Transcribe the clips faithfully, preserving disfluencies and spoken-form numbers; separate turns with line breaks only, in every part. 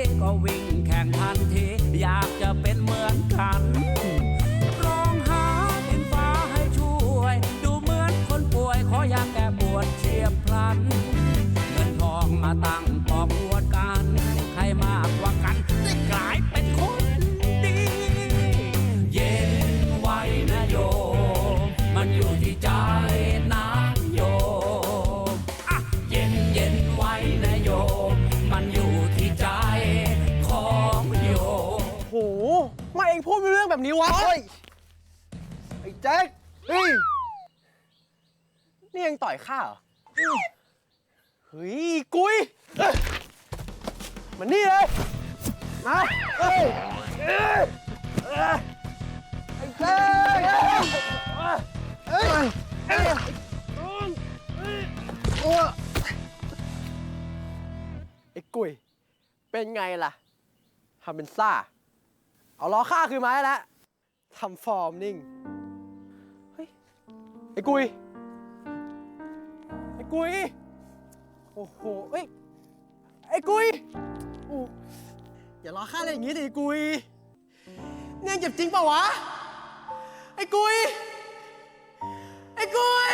ก็วิ่งแข่งทันทีอยากจะเป็นเหมือนกันร้องหาดินฟ้าให้ช่วยดูเหมือนคนป่วยขออยากแก้ปวดเฉียบพลันเงินทองมาตั้งปอกอวดกันใครมากกว่ากันได้กลายเป็นคนดีเย็นไว้นะโยมมันอยู่ที่ใจนะโยมอ่ะเย็นเย็นไว้นะโยมมันอยู่ที่ใจของโยม
โหมาเองพูดเป็นเรื่องแบบนี้วะเฮ้ยไอ้แจ็คเฮ้ยนี่เองต่อยข้าเหรอเฮ้ยกุยมันนี่เลยมาเฮ้ยไอ้แจ็คเฮ้ยไอ้กุยเป็นไงล่ะทำเป็นซ่าเอาล้อข้าคืนมาให้แล้วทำฟอร์มนิ่งเฮ้ยไอ้กุยไอ้กุยโอ้โหเฮ้ยไอ้กุยโอ้อย่าล้อข้าเลยอย่างงี้ดิไอ้กุยเนี่ยเจ็บจริงเปล่าวะไอ้กุยไอ้กุย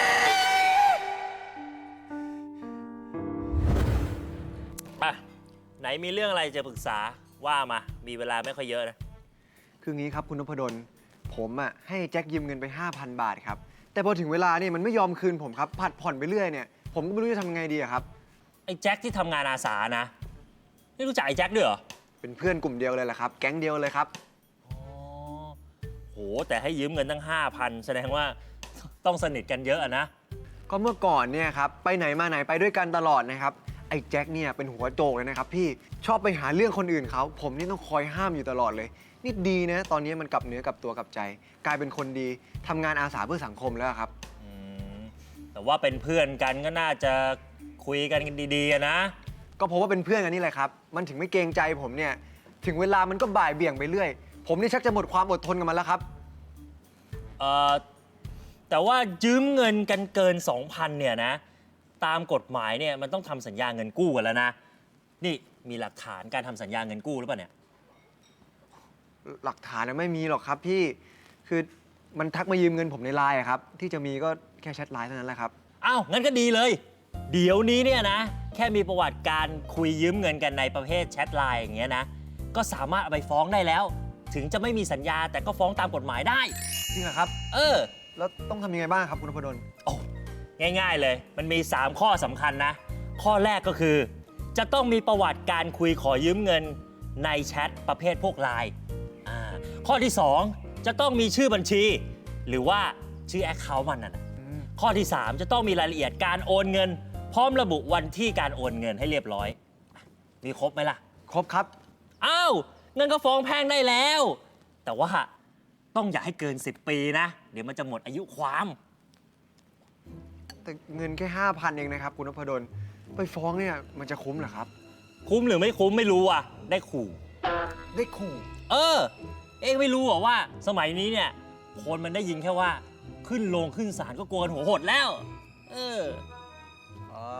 อ่ะไหนมีเรื่องอะไรจะปรึกษาว่ามามีเวลาไม่ค่อยเยอะนะ
คืองี้ครับคุณนพดลผมอ่ะให้แจ็คยืมเงินไป ห้าพัน บาทครับแต่พอถึงเวลาเนี่ยมันไม่ยอมคืนผมครับผัดผ่อนไปเรื่อยเนี่ยผมก็ไม่รู้จะทำไงดีครับ
ไอ้แจ็คที่ทำงานอาสานะนี่รู้จักไอ้แจ็คด้วยเหรอ
เป็นเพื่อนกลุ่มเดียวเลยแหละครับแก๊งเดียวเลยครับ
อ๋อโหแต่ให้ยืมเงินตั้ง ห้าพัน แสดงว่าต้องสนิทกันเยอะนะ
ก็เมื่อก่อนเนี่ยครับไปไหนมาไหนไปด้วยกันตลอดนะครับไอ้แจ็คเนี่ยเป็นหัวโจกเลยนะครับพี่ชอบไปหาเรื่องคนอื่นเขาผมนี่ต้องคอยห้ามอยู่ตลอดเลยนี่ดีนะตอนนี้มันกลับเนื้อกลับตัวกลับใจกลายเป็นคนดีทำงานอาสาเพื่อสังคมแล้วครับ
แต่ว่าเป็นเพื่อนกันก็น่าจะคุยกันดีๆนะ
ก็เพราะว่าเป็นเพื่อนกันนี่แหละครับมันถึงไม่เกรงใจผมเนี่ยถึงเวลามันก็บ่ายเบี่ยงไปเรื่อยผมนี่ชักจะหมดความอดทนกับมันแล้วครับ
เอ่อแต่ว่ายืมเงินกันเกิน สองพัน เนี่ยนะตามกฎหมายเนี่ยมันต้องทำสัญญาเงินกู้กันแล้วนะนี่มีหลักฐานการทำสัญญาเงินกู้หรือเปล่าเนี่ย
หลักฐานไม่มีหรอกครับพี่คือมันทักมายืมเงินผมในไลน์ครับที่จะมีก็แค่แชทไลน์เท่านั้นแหละครับ
อ้าวงั้นก็ดีเลยเดี๋ยวนี้เนี่ยนะแค่มีประวัติการคุยยืมเงินกันในประเภทแชทไลน์อย่างเงี้ยนะก็สามารถเอาไปฟ้องได้แล้วถึงจะไม่มีสัญญาแต่ก็ฟ้องตามกฎหมายได้
จริงเหรอครับ
เออ
แล้วต้องทำยังไงบ้างครับคุณนพดล
โอ้ง่ายๆเลยมันมีสามข้อสำคัญนะข้อแรกก็คือจะต้องมีประวัติการคุยขอยืมเงินในแชทประเภทพวกไลน์ข้อที่สองจะต้องมีชื่อบัญชีหรือว่าชื่อแอคเคาท์มันน่ะข้อที่สามจะต้องมีรายละเอียดการโอนเงินพร้อมระบุวันที่การโอนเงินให้เรียบร้อยมีครบไหมล่ะ
ครบครับ
อ้าวเงินก็ฟ้องแพ่งได้แล้วแต่ว่าต้องอย่าให้เกินสิบปีนะเดี๋ยวมันจะหมดอายุความ
แต่เงินแค่ ห้าพัน เองนะครับคุณนพดลไปฟ้องเนี่ยมันจะคุ้มเหรอครับ
คุ้มหรือไม่คุ้มไม่รู้อ่ะได้ขู่
ได้ขู่
เออเองไม่รู้เหรอว่าสมัยนี้เนี่ยคนมันได้ยินแค่ว่าขึ้นโรงขึ้นศาลก็กลัวกันหัวหดแล้วเออ
อ๋อ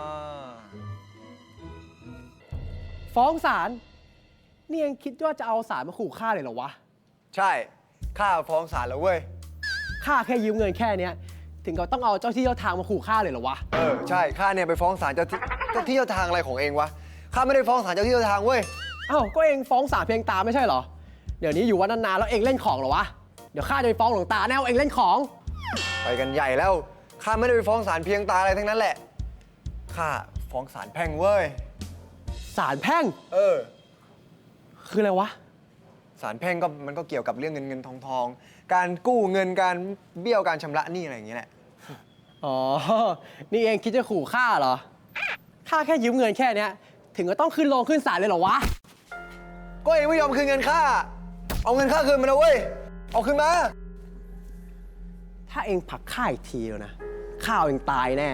ฟ้องศาลนี่ยังคิดว่าจะเอาศาลมาขู่ข้าเลยเหรอวะ
ใช่ข้าฟ้องศาลแล้วเว้ย
ข้าแค่ยืมเงินแค่เนี้ยถึงก็ต้องเอาเจ้าที่เจ้าทางมาขู่ข้าเลยเหรอวะ
เออใช่ข้าเนี่ยไปฟ้องศาลเจ้าที่เจ้าที่เจ้าทางอะไรของเองวะข้าไม่ได้ฟ้องศาลเจ้าที่เจ้าทางเว้ย
อ้าวก็เองฟ้องศาลเพียงตาไม่ใช่เหรอเดี๋ยวนี้อยู่วัดนานๆแล้วเองเล่นของเหรอวะเดี๋ยวข้าจะไปฟ้องหลวงตาแน่ว่าเองเล่นของ
ไปกันใหญ่แล้วข้าไม่ได้ไปฟ้องศาลเพียงตาอะไรทั้งนั้นแหละข้าฟ้องศาลแพ่งเว้ย
ศาลแพ่ง
เออ
คืออะไรวะ
ศาลแพ่งก็มันก็เกี่ยวกับเรื่องเงินเงินทองทองการกู้เงินการเบี้ยวการชำระหนี้อะไรอย่างเงี้ยแหละ
อ๋อนี่เองคิดจะขู่ข้าเหรอข้าแค่ยืมเงินแค่เนี้ยถึงก็ต้องขึ้นโรงขึ้นศาลเลยเหรอวะ
ก็เองไม่ยอมคืนเงินข้าเอาเงินข้าคืนมาเลยเว้ยเอาคืนมา
ถ้าเองผลักข้าอีกทีแล้วนะข้าเองตายแน่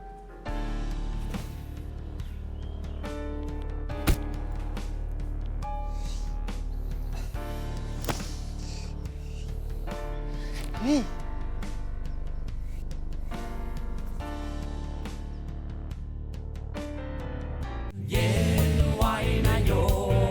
นี่
เย็นไว้นะโย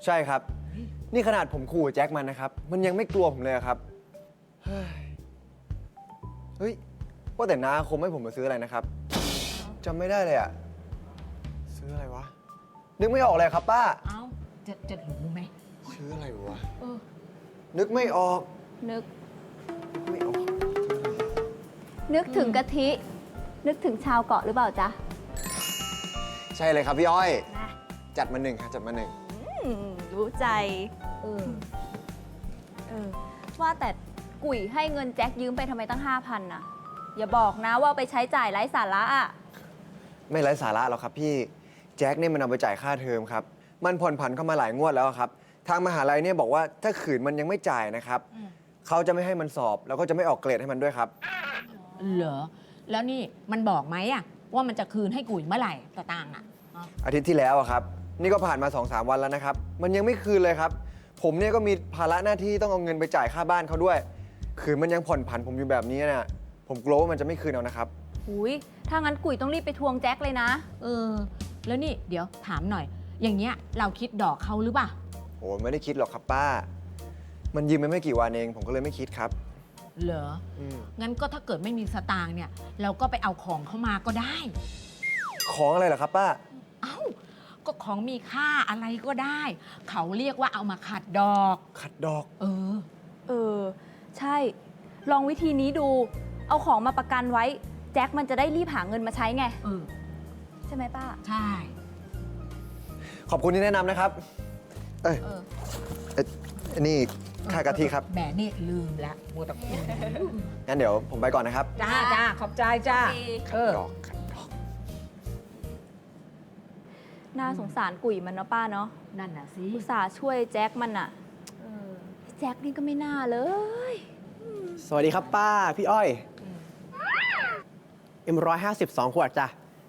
ใช่ครับ นี่ขนาดผมขู่แจ็คมันนะครับ มันยังไม่กลัวผมเลยอะครับ เฮ้ย เฮ้ย ว่าแต่น้าคมให้ผมมาซื้ออะไรนะครับจำไม่ได้เลยอะซื้ออะไรวะ นึกไม่ออกเลยครับป้า
เอ้า จะจะรู้ไหม
ซื้ออะไรวะ
เออ
นึกไม่ออก
นึก
นึกไม่ออก
นึกถึงกะทิ นึกถึงชาวเกาะหรือเปล่าจ๊ะ
ใช่เลยครับพี่อ้อย
นะ
จัดมาหนึ่งครับจัดมาหนึ่ง
อืมรู้ใจ
เออ
เออ ว่าแต่กุ๋ยให้เงินแจ็คยืมไปทำไมตั้งห้าพันน่ะ อย่าบอกนะว่าเอาไปใช้จ่ายไร้สาระอ่ะ
ไม่ไร้สาระหรอกครับพี่ แจ็คเนี่ยมันเอาไปจ่ายค่าเทอมครับ มันผ่อนผันเข้ามาหลายงวดแล้วครับ ทางมหาลัยเนี่ยบอกว่าถ้าขืนมันยังไม่จ่ายนะครับ
อืม
เขาจะไม่ให้มันสอบ แล้วก็จะไม่ออกเกรดให้มันด้วยครับ
เหรอ แล้วนี่มันบอกไหมอะว่ามันจะคืนให้กุ๋ยเมื่อไหร่ตะตางค์อะอ๋อ
อาทิตย์ที่แล้วอะครับ นี่ก็ผ่านมา2อสวันแล้วนะครับ มันยังไม่คืนเลยครับ ผมเนี่ยก็มีภาระหน้าที่ต้องเอาเงินไปจ่ายค่าบ้านเขาด้วย ขืนมันยังผ่อนผันผมอยู่แบบนี้เนี่ยผมกลัวว่ามันจะไม่คืนเอานะครับ
หุยถ้างั้นกุ๋ยต้องรีบไปทวงแจ็คเลยนะ
เออ แล้วนี่เดี๋ยวถามหน่อย อย่างเงี้ยเราคิดดอกเขาหรือเปล่า
โอ้ไม่ได้คิดหรอกครับป้า มันยืมไปไม่กี่วันเอง ผมก็เลยไม่คิดครับ
เหรอ
อืม
งั้นก็ถ้าเกิดไม่มีสตางค์เนี่ย เราก็ไปเอาของเขามาก็ได้
ของอะไรเหรอครับป้า
เอ้า ก็ของมีค่าอะไรก็ได้ เขาเรียกว่าเอามาขัดดอก
ขัดดอก
เออ
เออ ใช่ ลองวิธีนี้ดู เอาของมาประกันไว้ แจ็คมันจะได้รีบหาเงินมาใช้ไง
เออ
ใช่ไหมป้า
ใช่
ขอบคุณที่แนะนำนะครับ เอ้ย
เออ
เอ้ยอันนี่ค่ากะทิครับ
แหมนี่ลืมละมัวแต่พูด
งั้นเดี๋ยวผมไปก่อนนะครับ
จ้าจ้าขอบใจจ้า
ขั
เอ
ด
อ
ดอกขัดดอก
น่าสงสารกุ๋ยมันเนาะป้าเนาะ
นั่นน่ะสิ
อุตส่าห์ช่วยแจ็คมันอะ
เออ
แจ็คนี่ก็ไม่น่าเลย
สวัสดีครับป้า พี่อ้อย เอ็มร้อยห้าสิบสองขวดจ้ะ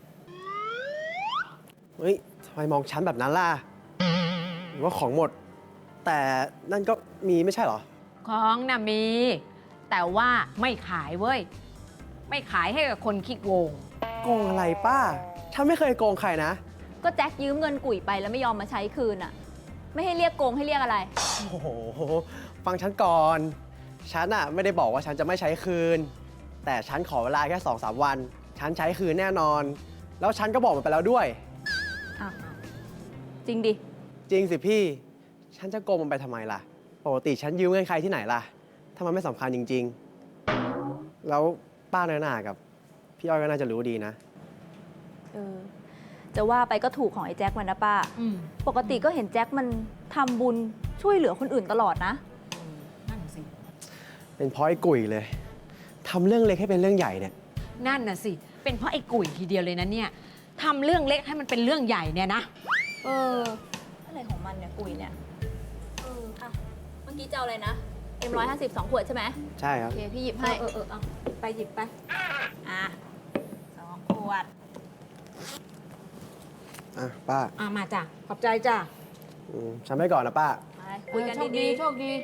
เฮ้ยทำไมมองฉันแบบนั้นล่ะ หรือว่าของหมด แต่นั่นก็มีไม่ใช่เหรอ
ของน่ะมี แต่ว่าไม่ขายเว้ย ไม่ขายให้กับคนขี้โกง
โกงอะไรป้า ฉันไม่เคยโกงใครนะ
ก็แจ็คยืมเงินกุ๋ยไปแล้วไม่ยอมมาใช้คืนอะไม่ให้เรียกโกงให้เรียกอะไร
โอ้โห ฟังฉันก่อน ฉันอะไม่ได้บอกว่าฉันจะไม่ใช้คืน แต่ฉันขอเวลาแค่สองสามวัน ฉันใช้คืนแน่นอน แล้วฉันก็บอกมันไปแล้วด้วย
อ้าวจริงดิ
จริงสิพี่ ฉันจะโกงมันไปทำไมล่ะ ปกติฉันยืมเงินใครที่ไหนล่ะ ถ้ามันไม่สำคัญจริง ๆ แล้วป้าเนยหนากับ พี่อ้อยก็น่าจะรู้ดีนะ
เออ จะว่าไปก็ถูกของไอ้แจ็คมันนะป้า
อืม
ปกติก็เห็นแจ็คมันทำบุญช่วยเหลือคนอื่นตลอดนะ
นั่นสิ
เป็นเพราะไอ้กุ๋ยเลย ทำเรื่องเล็กให้เป็นเรื่องใหญ่เนี่ย
นั่นน่ะสิ เป็นเพราะไอ้กุ๋ยทีเดียวเลยนะเนี่ยทำเรื่องเล็กให้มันเป็นเรื่องใหญ่เนี่ยนะ
เออ อะไรของมันเนี่ยกุ๋ยเนี่ย เอออ่ะเมื่อกี้จะเอาอะไรนะ เอ็มร้อยห้าสิบสองขวดใช่ไหม
ใช่ค
โอ
รับ
เค พี่หยิบ
เอ
ให้
อเออเออเอาหยิบไปหยิบไป
อ่ะสองขวด
อ่ะป้า
อ่ามาจ้ะ ขอบใจจ้ะ
อืมฉันไปก่อนนะป้า
ไปคุยกัน
เออโชค
ดี
โชคดี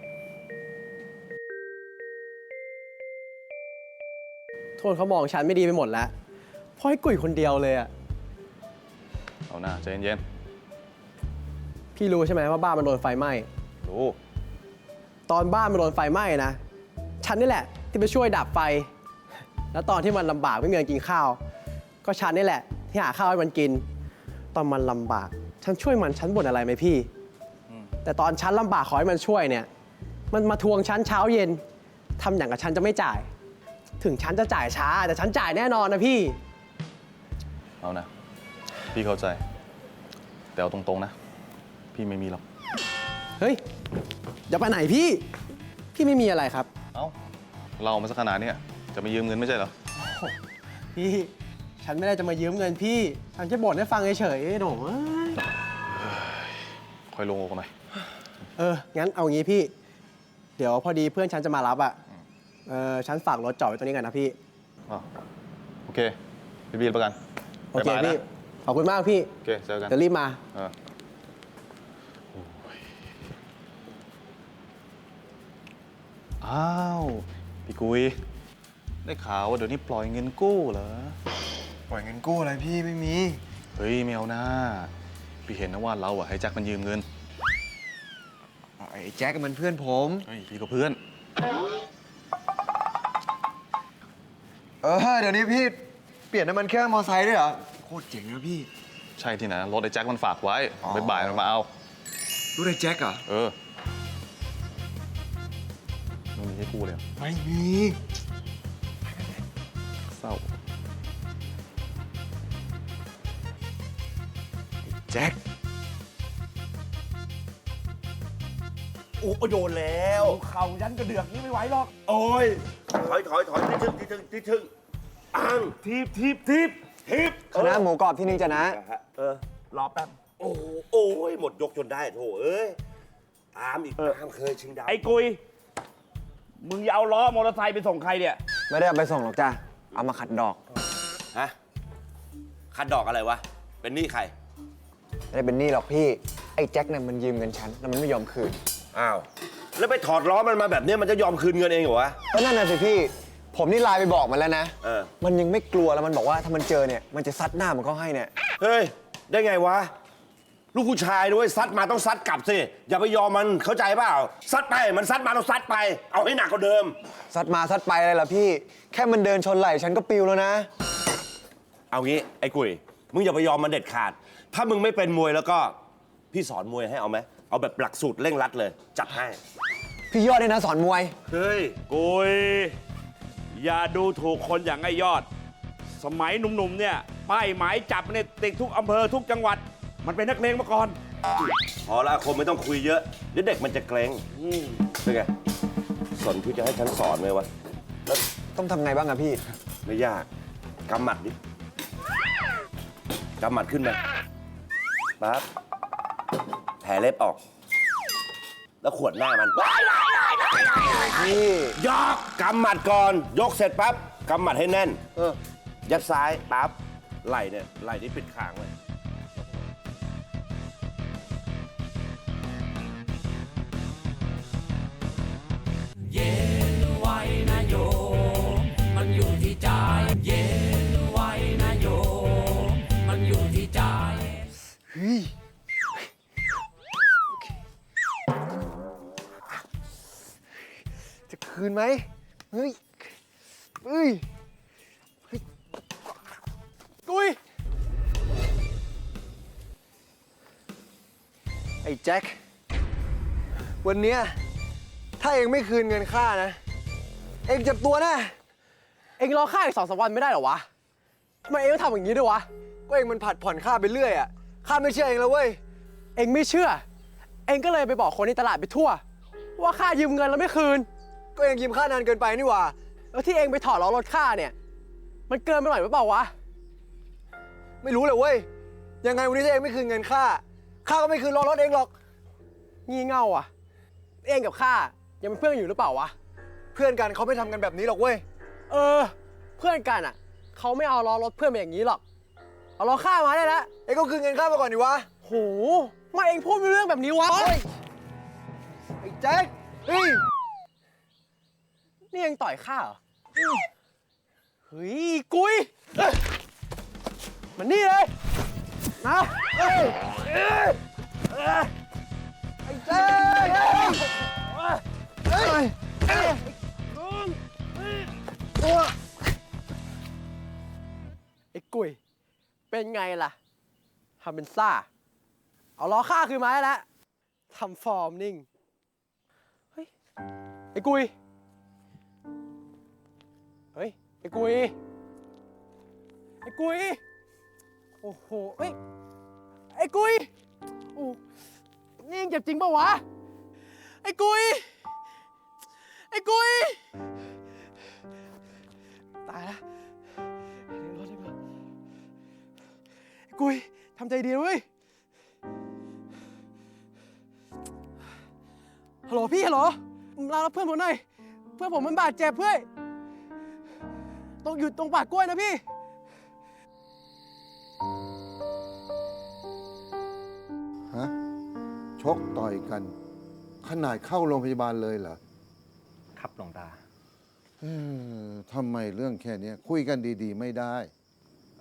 โทษเขามองฉันไม่ดีไปหมดแล้ว เพราะไอ้กุ๋ยคนเดียวเลยอะ
เอาหน้าใจเย็น
พี่รู้ใช่ไหมว่าบ้านมันโดนไฟไหม้
ๆรู้
ตอนบ้านมันโดนไฟไหม้นะ ฉันนี่แหละที่ไปช่วยดับไฟ แล้วตอนที่มันลำบากไม่มีเงินกินข้าว ก็ฉันนี่แหละที่หาข้าวให้มันกิน ตอนมันลำบาก ฉันช่วยมันฉันบ่นอะไรไหมพี่
อืม
แต่ตอนฉันลำบากขอให้มันช่วยเนี่ย มันมาทวงฉันเช้าเย็นทำอย่างกับฉันจะไม่จ่าย ถึงฉันจะจ่ายช้า แต่ฉันจ่ายแน่นอนนะพี่
เอานะ พี่เข้าใจ แต่เอาตรงๆนะ พี่ไม่มีหรอก
เฮ้ยอย่าไปไหนพี่ พี่ไม่มีอะไรครับ
เอ้า เรามาสักขนาดเนี้ยจะมายืมเงินไม่ใช่เหรอ
พี่ ฉันไม่ได้จะมายืมเงินพี่ ฉันจะบ่นให้ฟังเฉยๆหนูเอ้ย
ค่อยลงอกหน่อย
เออ งั้นเอางี้พี่ เดี๋ยวพอดีเพื่อนฉันจะมารับอ่ะ เออ ฉันฝากรถจอดไว้ตรงนี้ก่อนนะพี่
อ้าวโอเค พี่บีนประกัน
โอเค
บ๊ายบายนะ
พี่ ขอบคุณมากพี่
โอเค เจอกัน
เดี๋ยวรีบมา
เออโอ้ยอ้าว พี่กุย ได้ข่าวว่าเดี๋ยวนี้ปล่อยเงินกู้เหรอ
ปล่อยเงินกู้อะไรพี่ไม่มี
เฮ้ยไม่เอานะพี่เห็นนะว่าเราอะให้แจ็คมันยืมเงิน
ไอ้แจ็คมันเพื่อนผม
เฮ้ย พี่ก็เพื่อน
เออ เดี๋ยวนี้พี่เปลี่ยนน้ำมันเครื่องมอไซค์ด้วยเหรอ โคตรเจ๋งนะพี่
ใช่ที่ไหนรถไอ้แจ็คมันฝากไว้
อ๋อ
บ่ายๆมันมาเอา
รู้ได้แจ็คเหรอ
เออไม่มีให้กูเลยเหรอ
ไม่มี
เศร้า
แจ็ค
โอ้โดนแล้วเข่ายันกระเดือกนี้ไม่ไหวหรอก โอ้ย ถอยถอยถอยที่ถึงที่ถึงที่ถึงอ้างทีบทีบทีบทีบ
คณะหมูกรอบที่นึงจะนะ
เออ รอแป๊บ โอ้โอ้ย หมดยกจนได้โถเอ้ย ตามอีกตามเคยชิงดาว
ไอ้กุย มึงอย่าเอาล้อมอเตอร์ไซค์ไปส่งใครเนี่ย
ไม่ได้เอาไปส่งหรอกจ้ะ เอามาขัดดอก
ฮะ คัดดอกอะไรวะ เป็นหนี้ใคร
ไม่ได้เป็นหนี้หรอกพี่ ไอ้แจ็คเนี่ยมันยืมเงินฉันแล้วมันไม่ยอมคืน
อ้าว แล้วไปถอดล้อมันมาแบบเนี้ยมันจะยอมคืนเงินเองเหรอวะ
ก็นั่นน่ะสิพี่ ผมนี่ไลน์ไปบอกมันแล้วนะ
เออ
มันยังไม่กลัวแล้วมันบอกว่าถ้ามันเจอเนี่ย มันจะซัดหน้ามันเข้าให้เนี่ย
เฮ้ย ได้ไงวะ ลูกผู้ชายด้วยซัดมาต้องซัดกลับสิ อย่าไปยอมมันเข้าใจเปล่า ซัดไป มันซัดมาต้องซัดไป เอาให้หนักกว่าเดิม
ซัดมาซัดไปอะไรล่ะพี่ แค่มันเดินชนไหล่ฉันก็ปิวแล้วนะ
เอางี้ไอ้กุย มึงอย่าไปยอมมันเด็ดขาด ถ้ามึงไม่เป็นมวยแล้วก็พี่สอนมวยให้เอาไหม เอาแบบหลักสูตรเร่งรัดเลย จัดให้
พี่ยอดเนี่ยนะสอนมวย
เฮ้ย
กุย อย่าดูถูกคนอย่างไอ้ยอด สมัยหนุ่มๆ เนี่ย ป้ายหมายจับเนี่ยติดทุกอำเภอทุกจังหวัด มันเป็นนักเลงมาก่อน
พอละคมไม่ต้องคุยเยอะ เดี๋ยวเด็กมันจะเกรงเป็นไง สนที่จะให้ฉันสอนไหมวะ
แล้วต้องทำไงบ้างอะพี่
ไม่ยาก กำหมัดดิ กำหมัดขึ้นมาปั๊บแผลเล็บออก แล้วขวดหน้ามัน
พี่
ยกกำหมัดก่อน ยกเสร็จปั๊บ กำหมัดให้แน่น
เออ
ยัดซ้ายปั๊บ ไหล่เนี่ย ไหล่นี่ปิดค้างเลย
เย็นไว้นะโยม มันอยู่ที่ใจ เย็นไว้นะโยม มันอยู่ที่ใจ
เฮ้ย จะคืนไหม เฮ้ย เฮ้ย
กุย
ไอ้แจ็ค วันเนี้ยถ้าเองไม่คืนเงินค่านะ เองเจ็บตัวแน่
เองรอข้าอีกสองสามวันไม่ได้เหรอวะทำไมเองต้องทำอย่างนี้ด้วยวะ
ก็เองมันผัดผ่อนค่าไปเรื่อยอะข้าไม่เชื่อเองแล้วเว้ย
เองไม่เชื่อ เองก็เลยไปบอกคนในตลาดไปทั่ว ว่าข้ายืมเงินแล้วไม่คืน
ก็เองยืมค่านานเกินไปนี่หว่า
แล้วที่เองไปถอดล้อรถข้าเนี่ย มันเกินไปหน่อยหรือเปล่าวะ
ไม่รู้เลยเว้ย ยังไงวันนี้ถ้าเองไม่คืนเงินค่า ข้าก็ไม่คืนล้อรถเองหรอก
งี่เง่าอ่ะ เองกับข้ายังเป็นเพื่อนอยู่หรือเปล่าวะ
เพื่อนกันเขาไม่ทำกันแบบนี้หรอกเว้ย
เออ เพื่อนกันอ่ะ เขาไม่เอาล้อรถเพื่อนมาอย่างนี้หรอก เอาล้อข้ามาได้แล้ว
เองก็คืนเงินค่ามาก่อนดิวะ
โหมาเองพูดไม่รู้เรื่องแบบนี้วะ
ไอ้แจ็ค เฮ้ย
นี่เองต่อยข้าเหรอเฮ้ยกุยเอ้ยมันนี่เลยนะเอ้ยเอ้ยเอ้ย
ไอ้แจ็ค
เอ้ยเอ้ยตัวไอ้กุยเป็นไงล่ะทำเป็นซ่า เอาล้อข้าคืนมาได้แล้วทำฟอร์มนิ่ง เฮ้ย ไอ้กุย เฮ้ย ไอ้กุย ไอ้กุย โอ้โห เฮ้ย ไอ้กุยโอ้นี่ยังเจ็บจริงปะวะ ไอ้กุย ไอ้กุย ตายละเดี๋ยวรถเลยมาไอ้กุยทำใจดีนะเว้ย ฮัลโหลพี่ฮัลโหลมารับเพื่อนผมหน่อย เพื่อนผมมันบาดเจ็บเพื่อนต้องอยู่ตรงป่ากล้วยนะพี่
ฮะชกต่อยกัน ขนาดเข้าโรงพยาบาลเลยเหรอ
ครับหลวงตา
เออทำไมเรื่องแค่เนี้ยคุยกันดีๆ ไม่ได้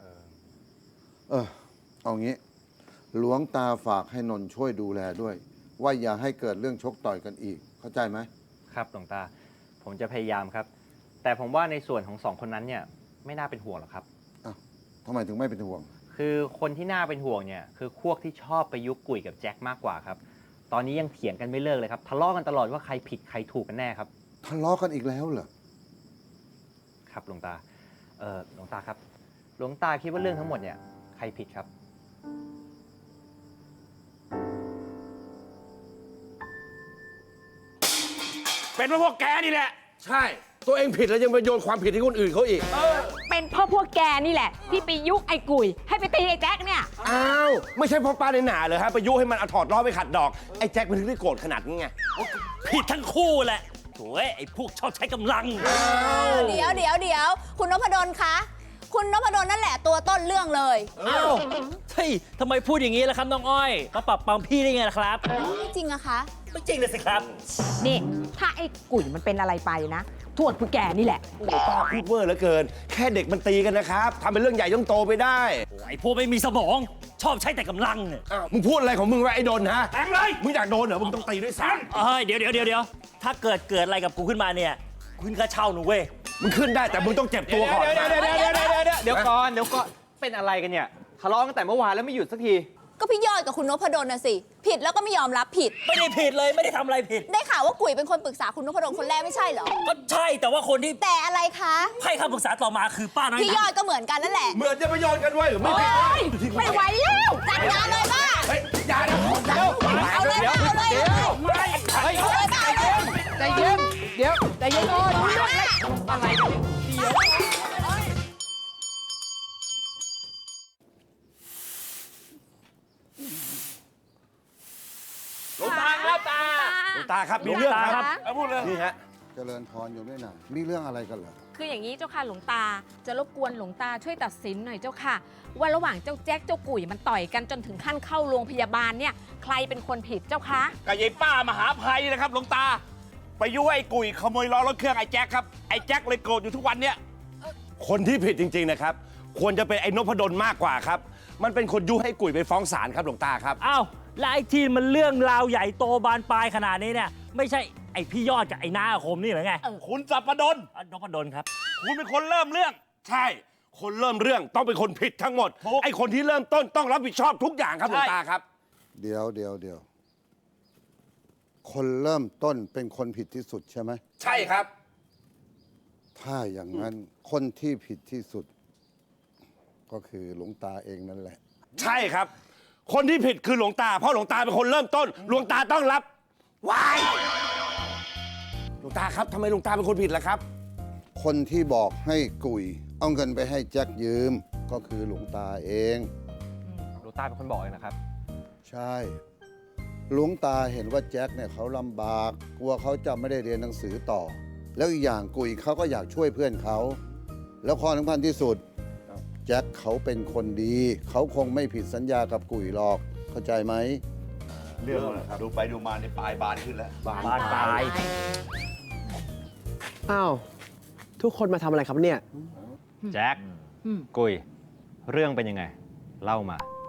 เออ เอางี้ หลวงตาฝากให้นนท์ช่วยดูแลด้วยว่าอย่าให้เกิดเรื่องชกต่อยกันอีก เข้าใจไหม
ครับหลวงตา ผมจะพยายามครับ แต่ผมว่าในส่วนของสองคนนั้นเนี่ยไม่น่าเป็นห่วงหรอกครับ
อ้าวทำไมถึงไม่เป็นห่วง
คือคนที่น่าเป็นห่วงเนี่ยคือพวกที่ชอบไปยุกกุ่ยกับแจ็คมากกว่าครับ ตอนนี้ยังเถียงกันไม่เลิกเลยครับ ทะเลาะกันตลอดว่าใครผิดใครถูกกันแน่ครับ
ทะเลาะกันอีกแล้วเหรอ
ครับหลวงตา เออหลวงตาครับ หลวงตาคิดว่าเรื่องทั้งหมดเนี่ยใครผิดครับ
เป็นเพราะพวกแกนี่แหละ
ใช่ ตัวเองผิดแล้วยังไปโยนความผิดให้คนอื่นเขาอีก
เป็นเพราะพวกแกนี่แหละ ที่ไปยุไอ้กุยให้ไปตีไอ้แจ็คเนี่ย
อ้าว ไม่ใช่เพ่อป้าในหนาเลยฮะไปยุให้มันเอาถอดล้อไปขัดดอก ไอ้แจ็คมันถึงได้โกรธขนาดนี้ไง
ผิดทั้งคู่แหละโถ่ไอ้พวกชอบใช้กำลัง
เดี๋ยวเดี๋ยวเดี๋ยวคุณนพดลคะ คุณนพดลนั่นแหละตัวต้นเรื่องเลย
อ้าวเฮ้ยทำไมพูดอย่างนี้ล่ะครับน้องอ้อยมาปรับปรามพี่ได้ไงล่ะครับ
ไม่จริงอะคะ
ไม่จริงเลยสิครับ
นี่ ถ้าไอ้กุยมันเป็นอะไรไปนะโทษพวกแกนี่แหละ
โอ้โหป้าพูดเวอร์เหลือเกิน แค่เด็กมันตีกันนะครับทำเป็นเรื่องใหญ่ต้องโตไปได้
ไอ้พวกไม่มีสมอง ชอบใช้แต่กำลังเนี่ย
อ้าวมึงพูดอะไรของมึงวะไอ้โดนฮะ
แทงเลย
มึงอยากโดนเหรอ มึงต้องตีด้วยซ้
เฮ้ยเดี๋ยวเดี๋ยวเดี๋ยวเดี๋ยวถ้าเกิดเกิดอะไรกับกูขึ้นมาเนี่ยคุณก็เช่าหนูเว้ย
ำมึงขึ้นได้แต่มึงต้องเจ็บตัวก่อน
เดี๋ยวเดี๋ยวเดี๋ยวเดี๋ยวเดี๋ยวเดี๋ยวเดี๋ยวก่อนเดี๋ยวก่อนเป็นอะไรกันเนี่ยทะเลาะกันแต่เมื่อวานแล้วไม่หยุดสักที
ก็พี่ยอดกับคุณนพดลน่ะสิ ผิดแล้วก็ไม่ยอมรับผิด
ไม่ได้ผิดเลยไม่ได้ทำอะไรผิด
ได้ข่าวว่ากุ๋ยเป็นคนปรึกษาคุณนพดลคนแรกไม่ใช่เหรอ
ก็ใช่แต่ว่าคนที่
แต่อะไรคะ
ให้คำปรึกษาต่อมาคือป้าน้อย
พี่ยอ
นะ
ดก็เหมือนกันนั่นแหละ
เหมือนจะไปโยนกันไว้หรือไม่ผิด
โอ๊ยไม่ไหวแล้ว
จัดการเลยบ้า
เฮ้ยอย่านะ
เอาเลยบ้าเอาเลยเอาเลย
ไม่
เอาเลยบ้าเอาเลย
ใจเย็น เดี๋ยว ใจเย็นก่อน
อะไรกันเดี๋ยว
หลวงตาครับตา
หลวงตาครับมีเรื่องครับ
เอาพูดเลย
นี่ฮะ
เจริญพรอยู่ด้วยนะมีเรื่องอะไรกันเหรอ
คืออย่างนี้เจ้าค่ะหลวงตา จะรบกวนหลวงตาช่วยตัดสินหน่อยเจ้าค่ะ ว่าระหว่างเจ้าแจ็คเจ้ากุ๋ยมันต่อยกันจนถึงขั้นเข้าโรงพยาบาลเนี่ยใครเป็นคนผิดเจ้าคะ
กับยายป้ามหาภัยนะครับหลวงตา ไปยุให้ไอ้กุยขโมยล้อรถเครื่องไอ้แจ็คครับ ไอ้แจ็คเลยโกรธอยู่ทุกวันเนี้ย
คนที่ผิดจริง ๆ นะครับ ควรจะเป็นไอ้นพดลมากกว่าครับ มันเป็นคนยุให้กุ๋ยไปฟ้องศาลครับหลวงตาครับ
อ้าวแล้วไอ้ที่มันเรื่องราวใหญ่โตบานปลายขนาดนี้เนี่ยไม่ใช่ไอ้พี่ยอดกับไอ้น้าอาคมนี่เหรอไง
คุณสัปปดล
อ่ะนพดลครับ
คุณเป็นคนเริ่มเรื่อง
ใช่ คนเริ่มเรื่องต้องเป็นคนผิดทั้งหมด
ถูก
ไอ้คนที่เริ่มต้นต้องรับผิดชอบทุกอย่างครับหลวงตาครับ
เดี๋ยวเดี๋ยวเดี๋ยวคนเริ่มต้นเป็นคนผิดที่สุดใช่ไหม
ใช่ครับ
ถ้าอย่างนั้นคนที่ผิดที่สุด ก็คือหลวงตาเองนั่นแหละ
ใช่ครับ คนที่ผิดคือหลวงตา เพราะหลวงตาเป็นคนเริ่มต้น หลวงตาต้องรับวายหลวงตาครับทำไมหลวงตาเป็นคนผิดล่ะครับ
คนที่บอกให้กุยเอาเงินไปให้แจ็คยืม ก็คือหลวงตาเอง
หลวงตาเป็นคนบอกเองนะครับ
ใช่ หลวงตาเห็นว่าแจ็คเนี่ยเขาลำบาก กลัวเขาจะไม่ได้เรียนหนังสือต่อ แล้วอีกอย่างกุยเขาก็อยากช่วยเพื่อนเขา แล้วข้อสำคัญที่สุด แจ็คเขาเป็นคนดี เขาคงไม่ผิดสัญญากับกุยหรอก เข้าใจไหม
เรื่องอะไรครับ
ดูไปดูมาในปลายบานขึ้นแล้ว
บานปลาย
อ้าว ทุกคนมาทำอะไรครับเนี่ย
แจ็คกุยเรื่องเป็นยังไง เล่ามา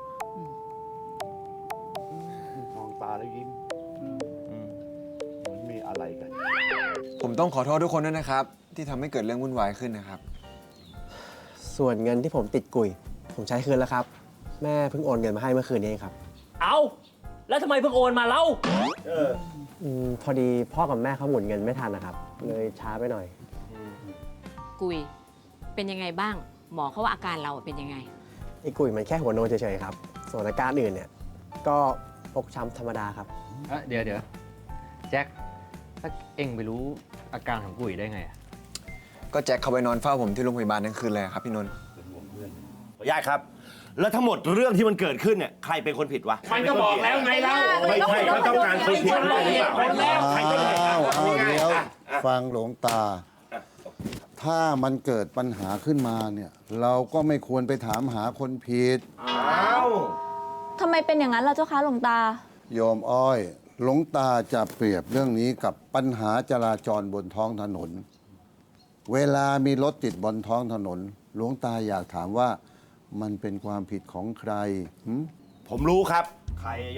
มองตาแล้วยิ้มเหมือนมีอะไรกัน
ผมต้องขอโทษทุกคนด้วยนะครับ ที่ทำให้เกิดเรื่องวุ่นวายขึ้นนะครับ
ส่วนเงินที่ผมติดกุย ผมใช้คืนแล้วครับ แม่เพิ่งโอนเงินมาให้เมื่อคืนนี้เองครับ
เอาแล้วทำไมเพิ่งโอนมาเล่า
อืมพอดีพ่อกับแม่เขาหมุนเงินไม่ทันนะครับ เลยช้าไปหน่อย
กุยเป็นยังไงบ้าง หมอเขาว่าอาการเราเป็นยังไง
ไอ้กุยมันแค่หัวโนเฉยๆครับ ส่วนอาการอื่นเนี่ย ก็ฟกช้ำธรรมดาครับ
เดี๋ยวเดี๋ยวแจ็คถ้าเอ็งไปรู้อาการของกุยได้ไงอะ
ก็แจ็คเขาไปนอนเฝ้าผมที่โรงพยาบาลทั้งคืนเลยครับพี่นนท์
ญาติครับ แล้วทั้งหมดเรื่องที่มันเกิดขึ้นเนี่ยใครเป็นคนผิดวะ
มันก็บอกแล้วไงเล่า
ไม่ใช่เขาต้องการคนผิดหรือเปล่า
อ้าวอ้าวเดี๋ยวฟังหลวงตา ถ้ามันเกิดปัญหาขึ้นมาเนี่ย เราก็ไม่ควรไปถามหาคนผิด
อ้าว
ทำไมเป็นอย่างนั้นล่ะเจ้าคะหลวงตา
โยมอ้อย หลวงตาจะเปรียบเรื่องนี้กับปัญหาจราจรบนท้องถนน เวลามีรถติดบนท้องถนน หลวงตาอยากถามว่ามันเป็นความผิดของใครหึ
ผมรู้ครับ
ใครยอด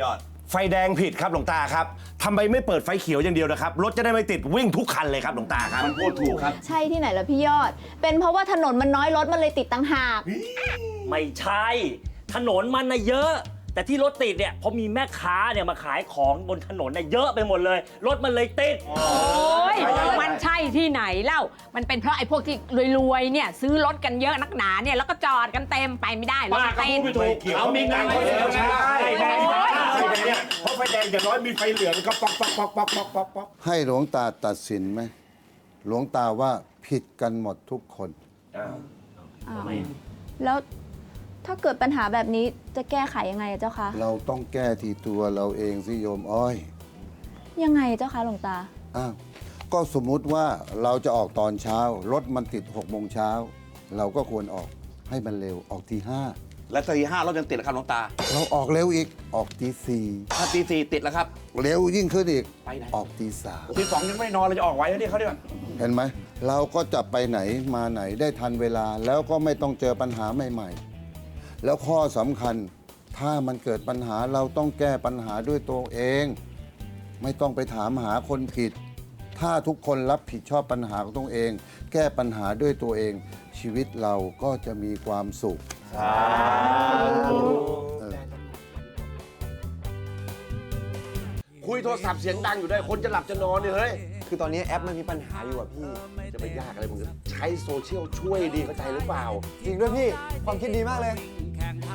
ไฟแดงผิดครับหลวงตาครับทำไมไม่เปิดไฟเขียวอย่างเดียวนะครับ รถจะได้ไม่ติดวิ่งทุกคันเลยครับหลวงตาครับมันพูดถูกครับ
ใช่ที่ไหนล่ะพี่ยอด เป็นเพราะว่าถนนมันน้อยรถมันเลยติดตั้งหาก
ไม่ใช่ ถนนมันนะเยอะ แต่ที่รถติดเนี่ยเพราะมีแม่ค้าเนี่ยมาขายของบนถนนเนี่ยเยอะไปหมดเลย รถมันเลยติด
โอ้ยมันใช่ที่ไหนเล่า มันเป็นเพราะไอ้พวกที่รวยๆเนี่ยซื้อรถกันเยอะนักหนาเนี่ยแล้วก็จอดกันเต็มไปไม่ได้รถ
ป้าก็
ติ
พู
ด
ดไม่ถูกเขามีงานเขาเดียวใช่ไฟแดงไฟแดงเนี่ยเพราะไฟแดงอย่างน้อยมีไฟเหลืองก็ป๊อกป๊อกป๊อกป๊อกป๊อกป๊อกป๊อก
ให้หลวงตาตัดสินไหม หลวงตาว่าผิดกันหมดทุกคน
อ้าวแล้วถ้าเกิดปัญหาแบบนี้จะแก้ไขยังไงอะเจ้าคะ
เราต้องแก้ที่ตัวเราเองสิโยมอ้อย
ยังไงเจ้าคะหลวงตา
อ้าวก็สมมุติว่าเราจะออกตอนเช้า รถมันติดหกโมงเช้า เราก็ควรออกให้มันเร็วออกทีห้า
และตีห้ารถยังติดแล้วครับหลวงตา
เราออกเร็วอีกออกตีสี่
ถ้าตีสี่ติดแล้วครับ
เร็วยิ่งขึ้นอีก
ไปไหน
ออกตีสาม
ตีสองยังไม่นอนเลยจะออกไว้แล้วนี่เขาเนี่ย
เห็นไหม เราก็จะไปไหนมาไหนได้ทันเวลา แล้วก็ไม่ต้องเจอปัญหาใหม่ๆ แล้วข้อสำคัญถ้ามันเกิดปัญหาเราต้องแก้ปัญหาด้วยตัวเอง ไม่ต้องไปถามหาคนผิด ถ้าทุกคนรับผิดชอบปัญหาของตัวเอง แก้ปัญหาด้วยตัวเอง ชีวิตเราก็จะมีความสุขเออ
คุยโทรศัพท์เสียงดังอยู่ด้วยคนจะหลับจะนอนเนี่ยเฮ้ย
คือตอนนี้แอปมันมีปัญหาอยู่อะพี่
จะไปยากอะไรมึงใช้โซเชียลช่วยดีเข้าใจหรือเปล่า
จริงด้วยพี่ ความคิดดีมากเลย
แข่ง